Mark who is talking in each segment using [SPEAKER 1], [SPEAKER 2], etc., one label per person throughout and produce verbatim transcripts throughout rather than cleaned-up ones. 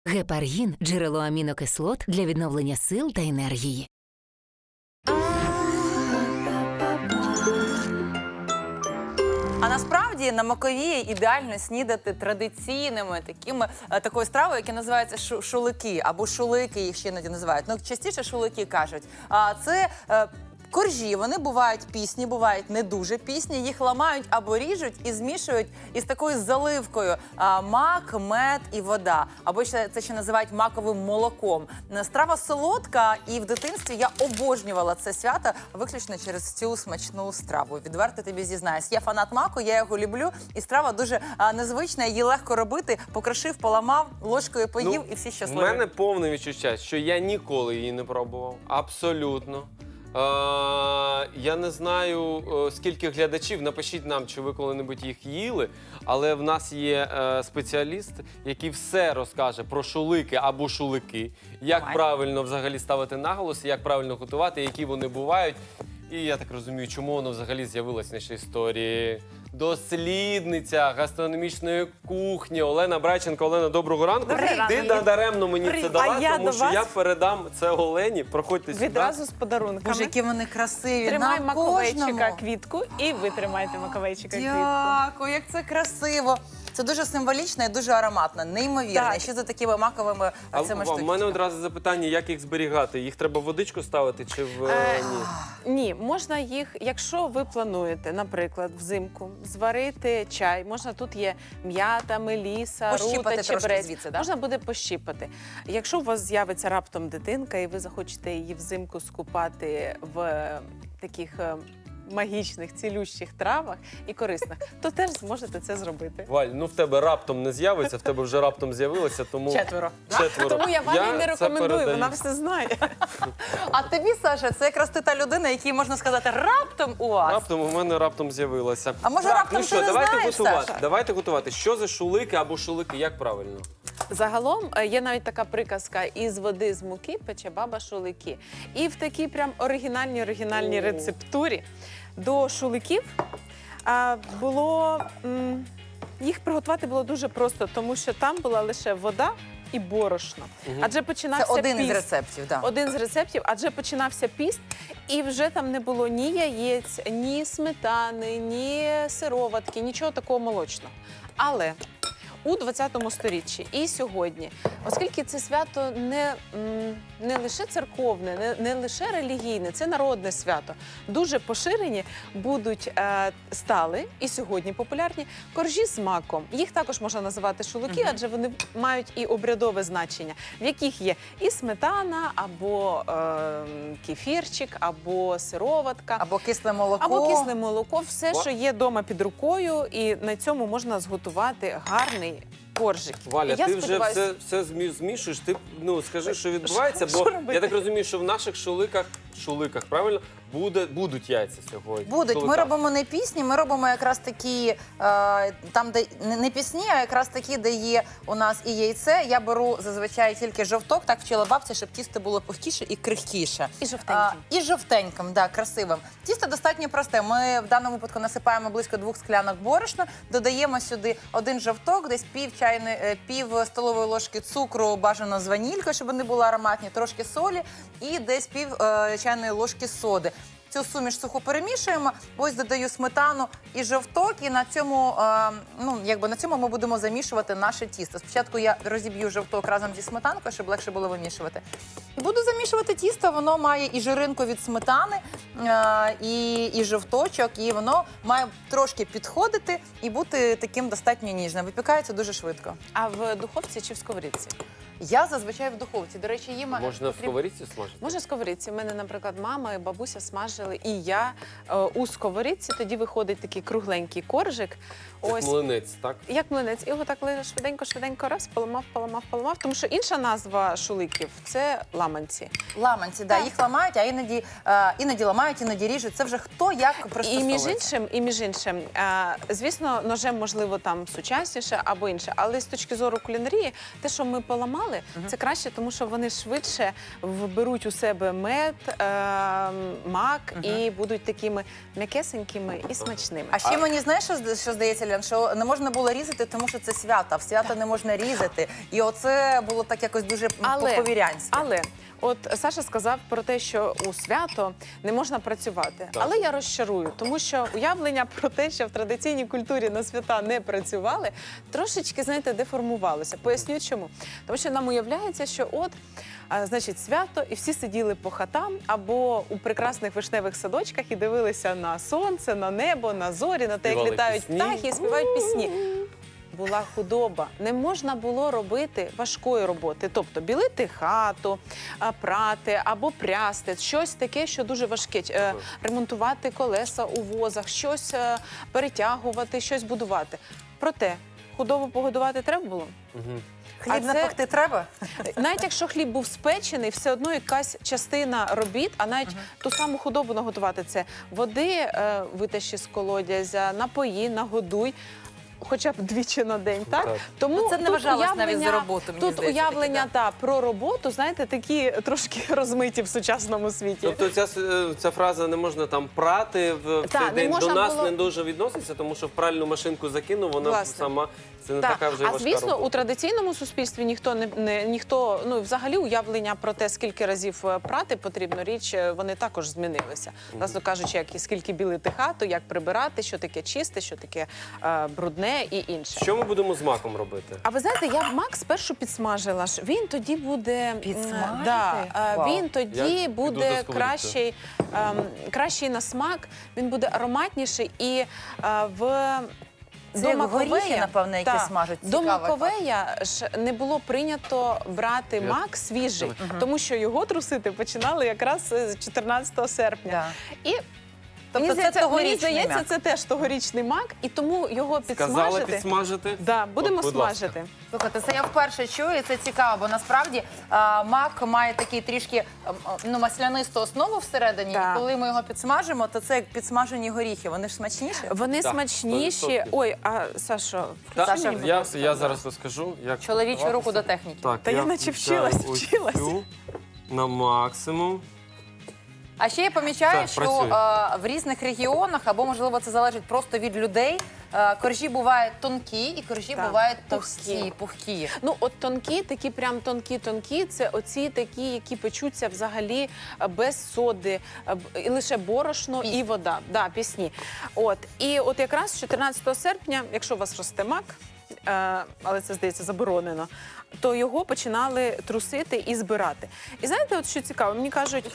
[SPEAKER 1] Гепаргін – джерело амінокислот для відновлення сил та енергії.
[SPEAKER 2] А насправді на Маковії ідеально снідати традиційними такими е, такою стравою, яка називається шу- шулики або шулики, їх ще іноді називають. Ну частіше шулики кажуть. А це е, коржі. Вони бувають пісні, бувають не дуже пісні. Їх ламають або ріжуть і змішують із такою заливкою а, мак, мед і вода. Або ще це ще називають маковим молоком. Страва солодка, і в дитинстві я обожнювала це свято виключно через цю смачну страву. Відверто тобі зізнаюсь. Я фанат маку, я його люблю, і страва дуже а, незвична, її легко робити. Покрошив, поламав, ложкою поїв, і всі щасливі.
[SPEAKER 3] У мене повне відчуття, що я ніколи її не пробував. Абсолютно. Е, я не знаю, е, скільки глядачів, напишіть нам, чи ви коли-небудь їх їли, але в нас є е, спеціаліст, який все розкаже про шулики або шулики, як
[SPEAKER 2] Давай.
[SPEAKER 3] правильно взагалі ставити наголос, як правильно готувати, які вони бувають. І я так розумію, чому воно взагалі з'явилось в нашій історії. Дослідниця гастрономічної кухні Олена Брайченко. Олена, доброго ранку.
[SPEAKER 4] Добрий
[SPEAKER 3] Ти
[SPEAKER 4] ранок.
[SPEAKER 3] надаремно мені
[SPEAKER 4] Привіт.
[SPEAKER 3] це дала,
[SPEAKER 4] А я
[SPEAKER 3] тому
[SPEAKER 4] до
[SPEAKER 3] що
[SPEAKER 4] вас
[SPEAKER 3] я передам це Олені. Проходьте сюди.
[SPEAKER 4] відразу з подарунками.
[SPEAKER 2] Боже, які вони красиві.
[SPEAKER 4] Тримай
[SPEAKER 2] на
[SPEAKER 4] маковейчика
[SPEAKER 2] кожному.
[SPEAKER 4] квітку і ви тримайте маковейчика квітку.
[SPEAKER 2] Дякую, як це красиво. Це дуже символічно і дуже ароматно, неймовірно.
[SPEAKER 4] Так.
[SPEAKER 2] І ще за такими маковими
[SPEAKER 3] А
[SPEAKER 2] цими
[SPEAKER 3] в
[SPEAKER 2] штучками.
[SPEAKER 3] мене одразу запитання, як їх зберігати? Їх треба в водичку ставити чи в
[SPEAKER 4] Е,
[SPEAKER 3] е, ні?
[SPEAKER 4] Ні, можна їх, якщо ви плануєте, наприклад, взимку зварити чай, можна тут є м'ята, меліса,
[SPEAKER 2] Пощіпати
[SPEAKER 4] рута,
[SPEAKER 2] трошки
[SPEAKER 4] чебрець.
[SPEAKER 2] звідси, да?
[SPEAKER 4] Можна буде пощіпати. Якщо у вас з'явиться раптом дитинка і ви захочете її взимку скупати в е, таких е, магічних, цілющих травах і корисних, то теж зможете це зробити.
[SPEAKER 3] Валь, ну в тебе раптом не з'явиться, в тебе вже раптом з'явилося, тому
[SPEAKER 2] Четверо.
[SPEAKER 3] четверо.
[SPEAKER 4] Тому я вам і не
[SPEAKER 3] це
[SPEAKER 4] рекомендую,
[SPEAKER 3] передаю.
[SPEAKER 4] вона все знає.
[SPEAKER 2] А тобі, Саша, це якраз ти та людина, якій можна сказати раптом у вас.
[SPEAKER 3] Раптом у мене раптом з'явилося.
[SPEAKER 2] А може,
[SPEAKER 3] Так,
[SPEAKER 2] раптом
[SPEAKER 3] ну
[SPEAKER 2] ти
[SPEAKER 3] що,
[SPEAKER 2] не
[SPEAKER 3] давайте
[SPEAKER 2] знаєш,
[SPEAKER 3] готувати.
[SPEAKER 2] Саша?
[SPEAKER 3] Давайте готувати. Що за шулики або шулики, як правильно?
[SPEAKER 4] Загалом е, є навіть така приказка: із води з муки пече баба шулики. І в такій прям оригінальній оригінальній
[SPEAKER 3] О.
[SPEAKER 4] рецептурі до шуликів а, було м, їх приготувати було дуже просто, тому що там була лише вода і борошно. Адже
[SPEAKER 2] Це
[SPEAKER 4] починався
[SPEAKER 2] один
[SPEAKER 4] піст.
[SPEAKER 2] із рецептів, так.
[SPEAKER 4] Один з рецептів, адже починався піст, і вже там не було ні яєць, ні сметани, ні сироватки, нічого такого молочного. Але у двадцятому сторіччі і сьогодні, оскільки це свято не, м, не лише церковне, не, не лише релігійне, це народне свято, дуже поширені будуть е, стали і сьогодні популярні коржі з маком. Їх також можна називати шулики, адже вони мають і обрядове значення, в яких є і сметана, або е, кефірчик, або сироватка.
[SPEAKER 2] Або кисле молоко.
[SPEAKER 4] Або кисле молоко, все,
[SPEAKER 3] Ва-
[SPEAKER 4] що є вдома під рукою, і на цьому можна зготувати гарний коржик.
[SPEAKER 3] Валя,
[SPEAKER 4] І я
[SPEAKER 3] ти вже
[SPEAKER 4] сподіваюся-
[SPEAKER 3] все, все змі- змішуєш. Ти ну скажи, що відбувається,
[SPEAKER 4] Що-
[SPEAKER 3] бо
[SPEAKER 4] що робити?
[SPEAKER 3] я так розумію, що в наших шуликах, шуликах, правильно, буде, будуть яйця сьогодні.
[SPEAKER 2] Будуть. Ми
[SPEAKER 3] Шуликах.
[SPEAKER 2] робимо не пісні, ми робимо якраз такі, е, там, де не- не пісні, а якраз такі, де є у нас і яйце. Я беру зазвичай тільки жовток, так вчила бабця, щоб тісто було пухкіше і крихкіше.
[SPEAKER 4] І жовтеньким.
[SPEAKER 2] А, і жовтеньким, да, красивим. Тісто достатньо просте. Ми в даному випадку насипаємо близько двох склянок борошна, додаємо сюди один жовток, десь пів чайної, е, пів столової ложки цукру, бажано з ванількою, щоб вони були ароматні, трошки солі і десь пів е, чайної ложки соди. Цю суміш сухо перемішуємо, ось додаю сметану і жовток, і на цьому, е, ну, якби на цьому ми будемо замішувати наше тісто. Спочатку я розіб'ю жовток разом зі сметанкою, щоб легше було вимішувати. І буду замішувати тісто, воно має і жиринку від сметани, е, і, і жовточок, і воно має трошки підходити і бути таким достатньо ніжним. Випікається дуже швидко.
[SPEAKER 4] А в духовці чи в сковорідці?
[SPEAKER 2] Я зазвичай в духовці. До речі, їм
[SPEAKER 3] Можна в
[SPEAKER 2] потрібно-
[SPEAKER 3] сковорідці смажити?
[SPEAKER 4] Може, в сковорідці. У мене, наприклад, мама і бабуся смажили, і я е, у сковорідці. Тоді виходить такий кругленький коржик.
[SPEAKER 3] Як
[SPEAKER 4] Ось.
[SPEAKER 3] млинець, так?
[SPEAKER 4] Як млинець, і його так швиденько, швиденько раз, поламав, поламав, поламав. Тому що інша назва шуликів – це ламанці.
[SPEAKER 2] Ламанці, да,
[SPEAKER 4] Так.
[SPEAKER 2] їх ламають, а іноді, е, іноді ламають, іноді ріжуть. Це вже хто як
[SPEAKER 4] І між
[SPEAKER 2] пристосовується.
[SPEAKER 4] іншим, і між іншим, е, звісно, ножем можливо там сучасніше або інше, але з точки зору кулінарії, те, що ми поламали, це краще, тому що вони швидше вберуть у себе мед, е, мак і будуть такими м'якесенькими і смачними.
[SPEAKER 2] А ще мені знаєш, що, зда- що здається, Лян, що не можна було різати, тому що це свято. А в свято не можна різати. І оце було так якось дуже
[SPEAKER 4] Але,
[SPEAKER 2] по-повірянськи.
[SPEAKER 4] але от Саша сказав про те, що у свято не можна працювати. Але я розчарую, тому що уявлення про те, що в традиційній культурі на свята не працювали, трошечки, знаєте, деформувалося. Поясню чому. Тому що нам уявляється, що от, а, значить, свято, і всі сиділи по хатам або у прекрасних вишневих садочках і дивилися на сонце, на небо, на зорі, на те, як
[SPEAKER 3] Співали
[SPEAKER 4] літають
[SPEAKER 3] пісні.
[SPEAKER 4] птахи і співають пісні. Була худоба, не можна було робити важкої роботи, тобто білити хату, а, прати або прясти, щось таке, що дуже важке, Е, ремонтувати колеса у возах, щось е, перетягувати, щось будувати. Проте худобу погодувати треба було.
[SPEAKER 2] Хліб
[SPEAKER 4] а це-
[SPEAKER 2] напекти треба?
[SPEAKER 4] Навіть якщо хліб був спечений, все одно якась частина робіт, а навіть ту саму худобу наготувати, це води е, витащи з колодязя, напої, нагодуй. Хоча б двічі на день, так?
[SPEAKER 3] Так.
[SPEAKER 4] Тому
[SPEAKER 2] Ну, це не
[SPEAKER 4] тут
[SPEAKER 2] вважалось навіть
[SPEAKER 4] уявлення-
[SPEAKER 2] за роботу, мені
[SPEAKER 4] Тут
[SPEAKER 2] здається,
[SPEAKER 4] уявлення
[SPEAKER 2] таке,
[SPEAKER 4] та, про роботу, знаєте, такі трошки розмиті в сучасному світі.
[SPEAKER 3] Тобто ця, с- ця фраза не можна там прати в, в
[SPEAKER 4] Та,
[SPEAKER 3] цей
[SPEAKER 4] не
[SPEAKER 3] день. До
[SPEAKER 4] можна
[SPEAKER 3] нас
[SPEAKER 4] було-
[SPEAKER 3] не дуже відноситься, тому що в пральну машинку закинув, вона
[SPEAKER 4] Власне.
[SPEAKER 3] сама. Це не
[SPEAKER 4] Так.
[SPEAKER 3] така вже
[SPEAKER 4] а
[SPEAKER 3] важка
[SPEAKER 4] звісно,
[SPEAKER 3] робота.
[SPEAKER 4] у традиційному суспільстві ніхто не, не ніхто, ну взагалі уявлення про те, скільки разів е, прати потрібно річ, е, вони також змінилися. Власне кажучи, як і скільки білити хату, як прибирати, що таке чисте, що таке е, брудне і інше.
[SPEAKER 3] Що ми будемо з маком робити?
[SPEAKER 4] А ви знаєте, я б мак спершу підсмажила ж. Він тоді буде м,
[SPEAKER 2] Підсмажити?
[SPEAKER 4] Да, е,
[SPEAKER 2] Вау.
[SPEAKER 4] він тоді
[SPEAKER 3] Я піду
[SPEAKER 4] буде
[SPEAKER 3] за сковорідкою.
[SPEAKER 4] кращий, ем, кращий на смак, він буде ароматніший і е, в.
[SPEAKER 2] Це як горіхи, напевно, які
[SPEAKER 4] Так.
[SPEAKER 2] смажать.
[SPEAKER 4] До
[SPEAKER 2] Цікавий
[SPEAKER 4] маковея ж не було прийнято брати
[SPEAKER 3] Я-
[SPEAKER 4] мак свіжий, тому що його трусити починали якраз з чотирнадцятого серпня.
[SPEAKER 2] Да.
[SPEAKER 4] І тобто це,
[SPEAKER 2] здається,
[SPEAKER 4] це, мені
[SPEAKER 2] тогорічний
[SPEAKER 4] здається,
[SPEAKER 2] мак.
[SPEAKER 4] це теж тогорічний мак, і тому його
[SPEAKER 3] Сказали
[SPEAKER 4] підсмажити.
[SPEAKER 3] підсмажити?
[SPEAKER 4] Да, будемо
[SPEAKER 3] От, будь ласка.
[SPEAKER 4] смажити.
[SPEAKER 2] Слухайте, це я вперше чую, і це цікаво, бо насправді а, мак має такий трішки а, ну, маслянисту основу всередині,
[SPEAKER 4] Так.
[SPEAKER 2] і коли ми його підсмажимо, то це як підсмажені горіхи. Вони ж смачніші?
[SPEAKER 4] Вони
[SPEAKER 3] Так,
[SPEAKER 4] смачніші.
[SPEAKER 3] сто відсотків.
[SPEAKER 4] Ой, а Сашо,
[SPEAKER 3] Та,
[SPEAKER 2] Саша,
[SPEAKER 4] мені, будь
[SPEAKER 3] я,
[SPEAKER 4] ласка.
[SPEAKER 3] я зараз розкажу, як
[SPEAKER 2] Чоловічу руку
[SPEAKER 3] готуватися.
[SPEAKER 2] до техніки.
[SPEAKER 3] Так,
[SPEAKER 4] Та я наче
[SPEAKER 3] включаю
[SPEAKER 4] вчилась,
[SPEAKER 3] ось
[SPEAKER 4] вчилась.
[SPEAKER 3] цю на максимум.
[SPEAKER 2] А ще я помічаю,
[SPEAKER 3] Так,
[SPEAKER 2] що
[SPEAKER 3] працює.
[SPEAKER 2] а, в різних регіонах, або можливо це залежить просто від людей, а, коржі бувають тонкі і коржі
[SPEAKER 4] Так,
[SPEAKER 2] бувають
[SPEAKER 4] товсті.
[SPEAKER 2] товсті, пухкі.
[SPEAKER 4] Ну, от тонкі, такі прям тонкі-тонкі, це оці такі, які печуться взагалі е, без соди, е, б- і лише борошно і вода. Да, пісні. От. І от якраз чотирнадцятого серпня, якщо у вас росте мак, е, але це, здається, заборонено, то його починали трусити і збирати. І знаєте, от що цікаво, мені кажуть,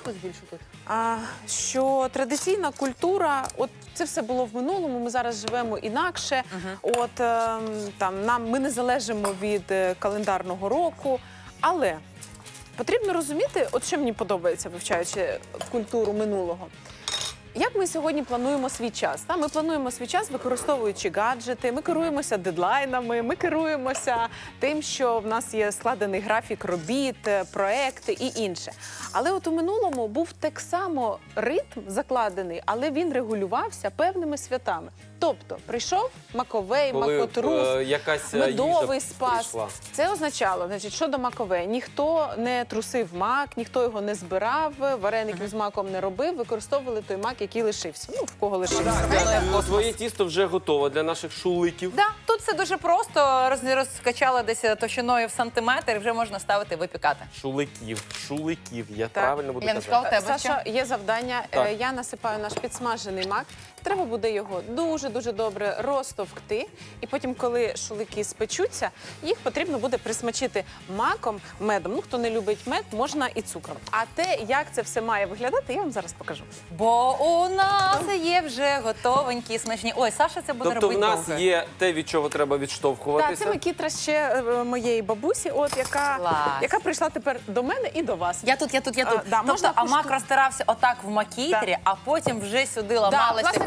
[SPEAKER 4] а, що традиційна культура, от це все було в минулому, ми зараз живемо інакше. От ем, там нам ми не залежимо від е, календарного року, але потрібно розуміти, от що мені подобається, вивчаючи культуру минулого. Як ми сьогодні плануємо свій час? Та? Ми плануємо свій час, використовуючи гаджети, ми керуємося дедлайнами, ми керуємося тим, що в нас є складений графік робіт, е, проекти і інше. Але от у минулому був так само ритм закладений, але він регулювався певними святами. Тобто прийшов маковей,
[SPEAKER 3] Коли
[SPEAKER 4] макотрус,
[SPEAKER 3] е, якась е,
[SPEAKER 4] медовий
[SPEAKER 3] їжа
[SPEAKER 4] спас.
[SPEAKER 3] прийшла.
[SPEAKER 4] Це означало, значить, що до макове, ніхто не трусив мак, ніхто його не збирав, вареників з маком не робив, використовували той мак, який лишився. Ну, в кого лишився.
[SPEAKER 3] Ну, Твоє тісто вже готове для наших шуликів.
[SPEAKER 2] Да, тут все дуже просто. Роз- Розкачала десь товщиною в сантиметр, і вже можна ставити випікати.
[SPEAKER 3] Шуликів, шуликів, я
[SPEAKER 4] Так.
[SPEAKER 3] правильно буду
[SPEAKER 2] Яночка,
[SPEAKER 3] казати.
[SPEAKER 2] у тебе
[SPEAKER 4] Саша, є завдання.
[SPEAKER 3] Так.
[SPEAKER 4] Е, Я насипаю наш підсмажений мак. Треба буде його дуже-дуже добре розтовкти. І потім, коли шулики спечуться, їх потрібно буде присмачити маком, медом. Ну, хто не любить мед, можна і цукром. А те, як це все має виглядати, я вам зараз покажу.
[SPEAKER 2] Бо у нас є вже готовенькі, смачні. Ой, Саша це буде
[SPEAKER 3] Тобто в
[SPEAKER 2] робити
[SPEAKER 3] нас
[SPEAKER 2] довго.
[SPEAKER 3] є те, від чого треба
[SPEAKER 4] Так,
[SPEAKER 3] відштовхуватися.
[SPEAKER 4] це макітра ще е, моєї бабусі, от яка,
[SPEAKER 2] Клас.
[SPEAKER 4] яка прийшла тепер до мене і до вас.
[SPEAKER 2] Я тут, я тут, я
[SPEAKER 4] А,
[SPEAKER 2] тут.
[SPEAKER 4] да,
[SPEAKER 2] тобто,
[SPEAKER 4] можна
[SPEAKER 2] а мак
[SPEAKER 4] кушту-
[SPEAKER 2] розтирався отак в макітрі,
[SPEAKER 4] Так.
[SPEAKER 2] а потім вже сюди
[SPEAKER 4] Да,
[SPEAKER 2] ламалися
[SPEAKER 4] власне
[SPEAKER 2] коржі.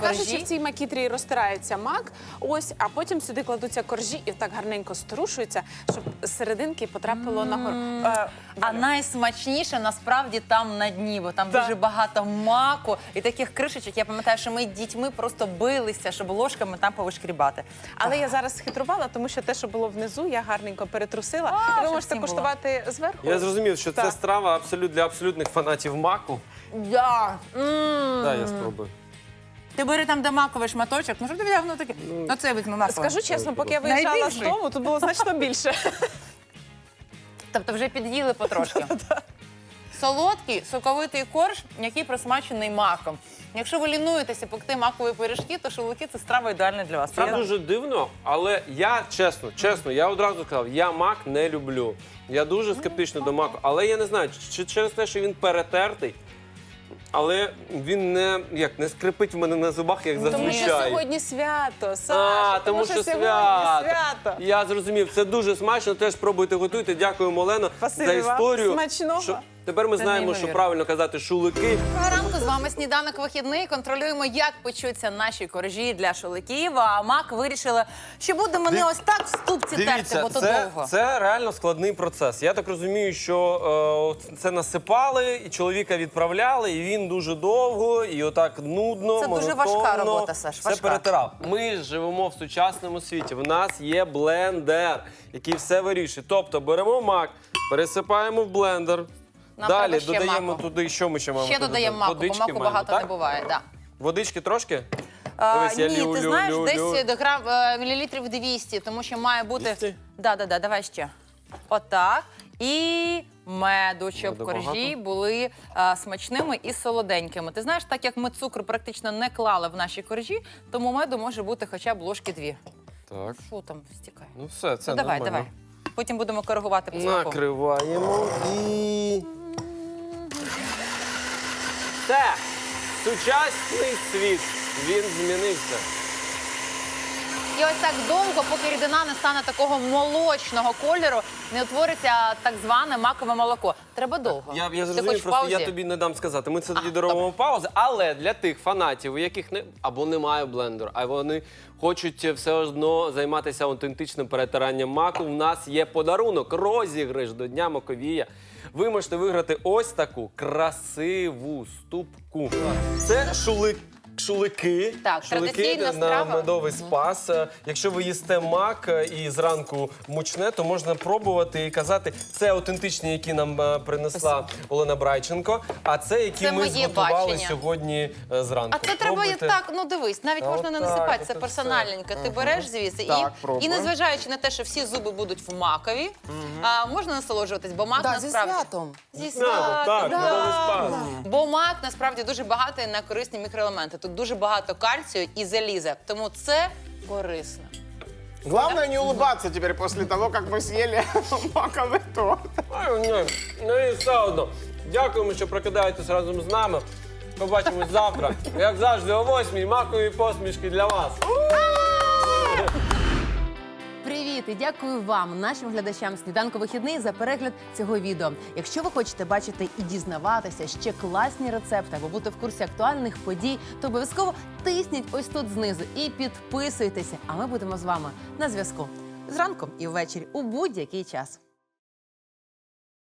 [SPEAKER 4] кажучи,
[SPEAKER 2] коржі.
[SPEAKER 4] в цій макітрі розтирається мак, ось, а потім сюди кладуться коржі і так гарненько струшуються, щоб з серединки потрапило на гор. Е,
[SPEAKER 2] А найсмачніше насправді там на дні, бо там
[SPEAKER 4] Так.
[SPEAKER 2] дуже багато маку і таких кришечок. Я пам'ятаю, що ми з дітьми просто билися, щоб ложками там повишкрібати.
[SPEAKER 4] Але я зараз схитрувала, тому що те, що було внизу, я гарненько перетрусила.
[SPEAKER 2] А,
[SPEAKER 4] І ви
[SPEAKER 2] щоб
[SPEAKER 4] можете
[SPEAKER 2] всім було.
[SPEAKER 4] куштувати зверху.
[SPEAKER 3] Я зрозумів, що це
[SPEAKER 4] Так.
[SPEAKER 3] страва абсолют для абсолютних фанатів маку.
[SPEAKER 2] Да. М.
[SPEAKER 3] Так, я спробую.
[SPEAKER 2] Ти бери там де маковий шматочок, ну що ти взяв, ну таке. Оце візьми маковий.
[SPEAKER 4] Скажу чесно, поки я виїжджала з
[SPEAKER 2] Найбільший.
[SPEAKER 4] дому, тут було значно більше.
[SPEAKER 2] Тобто вже під'їли потрошки. Солодкий, соковитий корж, який присмачений маком. Якщо ви лінуєтеся пекти макові пиріжки, то шашлики – це страва ідеальна для вас.
[SPEAKER 3] Це
[SPEAKER 2] Правда?
[SPEAKER 3] дуже дивно, але я чесно, чесно, я одразу сказав, я мак не люблю. Я дуже скептично до маку, але я не знаю, чи через те, що він перетертий, але він не, як, не скрипить в мене на зубах, як
[SPEAKER 4] Тому що
[SPEAKER 3] зазвичай.
[SPEAKER 4] сьогодні свято, Саша.
[SPEAKER 3] А, тому що
[SPEAKER 4] сьогодні
[SPEAKER 3] свято.
[SPEAKER 4] свято.
[SPEAKER 3] Я зрозумів, це дуже смачно, теж пробуйте, готуйте. Дякуємо, Олено,
[SPEAKER 4] Спасибі
[SPEAKER 3] за
[SPEAKER 4] вам.
[SPEAKER 3] історію.
[SPEAKER 4] Смачного.
[SPEAKER 3] Що- Тепер ми
[SPEAKER 2] Це
[SPEAKER 3] знаємо, що
[SPEAKER 2] неймовірно.
[SPEAKER 3] правильно казати шулики.
[SPEAKER 2] Доброго ранку, з вами «Сніданок вихідний». Контролюємо, як печуться наші коржі для шашликів. А мак вирішили, що будемо не
[SPEAKER 3] Див-
[SPEAKER 2] ось так в ступці терти, бо то
[SPEAKER 3] це,
[SPEAKER 2] довго.
[SPEAKER 3] це реально складний процес. Я так розумію, що е, це насипали, і чоловіка відправляли, і він дуже довго, і отак нудно,
[SPEAKER 2] Це дуже
[SPEAKER 3] монотонно
[SPEAKER 2] важка робота, Саш,
[SPEAKER 3] все
[SPEAKER 2] важка.
[SPEAKER 3] перетирав. Ми ж живемо в сучасному світі. В нас є блендер, який все вирішує. Тобто беремо мак, пересипаємо в блендер.
[SPEAKER 2] Нам
[SPEAKER 3] Далі
[SPEAKER 2] треба ще
[SPEAKER 3] додаємо
[SPEAKER 2] маку.
[SPEAKER 3] туди, що ми ще маємо?
[SPEAKER 2] Ще
[SPEAKER 3] туди
[SPEAKER 2] додаємо
[SPEAKER 3] додати?
[SPEAKER 2] маку, бо
[SPEAKER 3] Водички
[SPEAKER 2] маку
[SPEAKER 3] маємо,
[SPEAKER 2] багато
[SPEAKER 3] так?
[SPEAKER 2] не буває. Да.
[SPEAKER 3] Водички трошки?
[SPEAKER 2] А,
[SPEAKER 3] Дивись, я
[SPEAKER 2] ні,
[SPEAKER 3] лю,
[SPEAKER 2] ти
[SPEAKER 3] лю,
[SPEAKER 2] знаєш,
[SPEAKER 3] лю,
[SPEAKER 2] десь
[SPEAKER 3] лю.
[SPEAKER 2] до грам, е, мілілітрів двісті, тому що має бути...
[SPEAKER 3] двісті?
[SPEAKER 2] Да, да, да, давай ще. Отак. І меду, щоб
[SPEAKER 3] Меду
[SPEAKER 2] коржі
[SPEAKER 3] багато?
[SPEAKER 2] були а, смачними і солоденькими. Ти знаєш, так як ми цукру практично не клали в наші коржі, тому меду може бути хоча б ложки дві.
[SPEAKER 3] Так.
[SPEAKER 2] Фу, там стікає.
[SPEAKER 3] Ну все, це
[SPEAKER 2] Ну, давай,
[SPEAKER 3] нормально.
[SPEAKER 2] давай. Потім будемо коригувати по смаку.
[SPEAKER 3] Накриваємо і. Все! Сучасний світ. Він змінився.
[SPEAKER 2] І ось так довго, поки рідина не стане такого молочного кольору, не утвориться так зване макове молоко. Треба довго.
[SPEAKER 3] Я, я
[SPEAKER 2] Ти
[SPEAKER 3] зрозумів,
[SPEAKER 2] хочеш
[SPEAKER 3] просто
[SPEAKER 2] паузі?
[SPEAKER 3] я тобі не дам сказати. Ми це тоді
[SPEAKER 2] А,
[SPEAKER 3] доробимо паузи. Але для тих фанатів, у яких не або немає блендеру, а вони хочуть все одно займатися аутентичним перетиранням маку, в нас є подарунок, розіграш до Дня Маковія. Ви можете виграти ось таку красиву ступку. Це шулик. Шулики,
[SPEAKER 2] Так,
[SPEAKER 3] шулики
[SPEAKER 2] традиційна
[SPEAKER 3] на
[SPEAKER 2] страва.
[SPEAKER 3] медовий спас. Е, Якщо ви їсте мак е, і зранку мучне, то можна пробувати і казати, це аутентичні, які нам е, принесла Олена Брайченко, а це які
[SPEAKER 2] Це
[SPEAKER 3] ми
[SPEAKER 2] моє
[SPEAKER 3] зготували
[SPEAKER 2] бачення.
[SPEAKER 3] сьогодні е, зранку.
[SPEAKER 2] А це треба
[SPEAKER 3] Пробуйте.
[SPEAKER 2] так, ну дивись, навіть
[SPEAKER 3] Та
[SPEAKER 2] можна не
[SPEAKER 3] отак,
[SPEAKER 2] насипати,
[SPEAKER 3] от
[SPEAKER 2] це
[SPEAKER 3] і
[SPEAKER 2] персональненько. Ти береш звідси
[SPEAKER 3] Так,
[SPEAKER 2] і,
[SPEAKER 3] пробуй.
[SPEAKER 2] і незважаючи на те, що всі зуби будуть в макові, а, можна насолоджуватись, бо мак
[SPEAKER 5] Да, зі
[SPEAKER 2] насправді...
[SPEAKER 5] святом.
[SPEAKER 2] Зі
[SPEAKER 3] На,
[SPEAKER 2] святом,
[SPEAKER 3] так,
[SPEAKER 2] да.
[SPEAKER 3] медовий спас.
[SPEAKER 2] Бо мак насправді дуже багатий на корисні мікроелементи. Тут дуже багато кальцію і заліза, тому це корисно.
[SPEAKER 5] Главное не улыбаться теперь после того, как вы съели маковый торт.
[SPEAKER 3] Ай, ні, ну і все одно. Дякуємо, що прокидаєтесь разом з нами. Побачимось завтра. Як завжди, о восьмій макові посмішки для вас.
[SPEAKER 6] Привіт і дякую вам, нашим глядачам «Сніданку вихідний» за перегляд цього відео. Якщо ви хочете бачити і дізнаватися ще класні рецепти або бути в курсі актуальних подій, то обов'язково тисніть ось тут знизу і підписуйтеся. А ми будемо з вами на зв'язку зранку і ввечері у будь-який час.